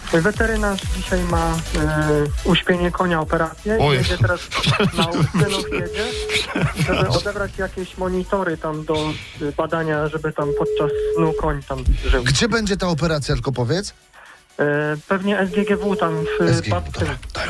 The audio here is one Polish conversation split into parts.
Weterynarz dzisiaj ma uśpienie konia, operację i jedzie teraz na Ustynów jedzie, żeby odebrać jakieś monitory tam do badania, żeby tam podczas snu koń tam żył. Gdzie będzie ta operacja, tylko powiedz? Pewnie SGGW tam w Babce.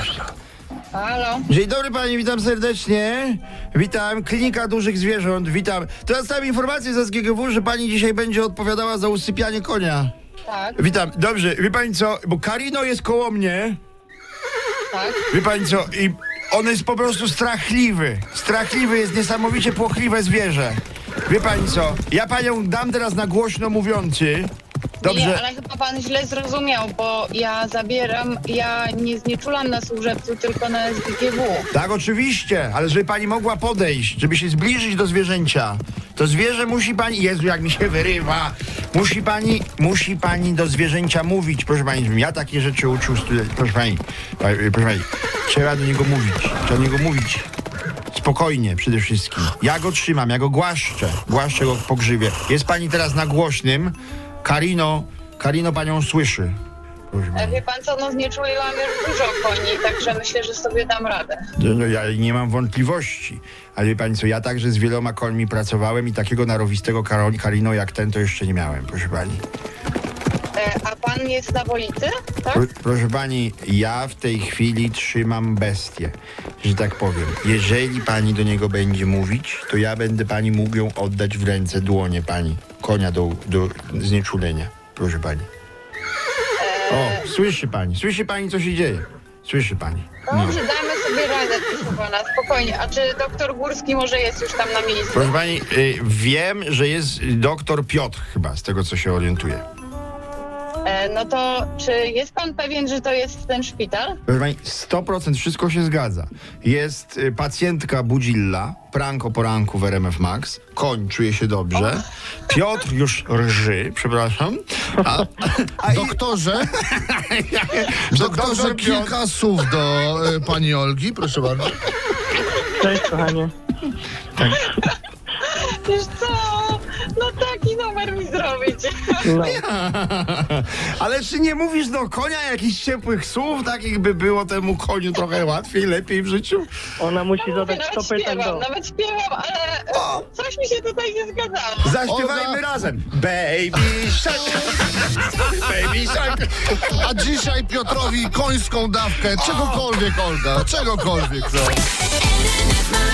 Halo? Dzień dobry pani, witam serdecznie. Witam, Klinika Dużych Zwierząt, witam. Teraz dostałem informację ze SGGW, że pani dzisiaj będzie odpowiadała za usypianie konia. Tak, Witam, dobrze, wie pani co, bo Karino jest koło mnie, tak. wie pani co, i on jest po prostu strachliwy. Strachliwy, jest niesamowicie płochliwe zwierzę. Wie pani co, ja panią dam teraz na głośno mówiący. Dobrze. Nie, ale chyba pan źle zrozumiał, bo ja nie znieczulam na służebcu, tylko na SGGW. Tak, oczywiście, ale żeby pani mogła podejść, żeby się zbliżyć do zwierzęcia, to zwierzę musi pani, Jezu, jak mi się wyrywa, musi pani do zwierzęcia mówić, proszę pani, ja takie rzeczy uczył, proszę pani, trzeba do niego mówić, spokojnie przede wszystkim. Ja go trzymam, ja go głaszczę go po grzywie. Jest pani teraz na głośnym, Karino panią słyszy. Proszę pani. Wie pan co, no znieczuliłam już dużo koni, także myślę, że sobie dam radę. No, ja nie mam wątpliwości, ale wie pani co, ja także z wieloma końmi pracowałem i takiego narowistego Karino jak ten to jeszcze nie miałem, proszę pani. A pan jest na Wolicy, tak? Proszę pani, ja w tej chwili trzymam bestię, że tak powiem. Jeżeli pani do niego będzie mówić, to ja będę pani mógł ją oddać w ręce dłonie pani, konia do znieczulenia, proszę pani. O, słyszy pani co się dzieje? Słyszy pani. Dobrze, dajmy sobie radę, proszę pana, spokojnie. A czy doktor Górski może jest już tam na miejscu? Proszę pani, wiem, że jest doktor Piotr chyba, z tego co się orientuję. No to czy jest pan pewien, że to jest ten szpital? Proszę pani, 100% wszystko się zgadza. Jest pacjentka Budzilla, prank o poranku w RMF Max. Koń czuje się dobrze. Piotr już rży, przepraszam. Doktorze, doktor kilka słów do pani Olgi, proszę bardzo. Cześć, kochanie. Wiesz co? No taki numer mi zrobić. No. Ale czy nie mówisz do konia jakichś ciepłych słów, takich by było temu koniu trochę łatwiej, lepiej w życiu? Ona musi zadać 100 pytań do... Nawet śpiewam, ale coś mi się tutaj nie zgadzało. Zaśpiewajmy razem. Baby shark. Baby shark. A dzisiaj Piotrowi końską dawkę, czegokolwiek, Olga, czegokolwiek, no.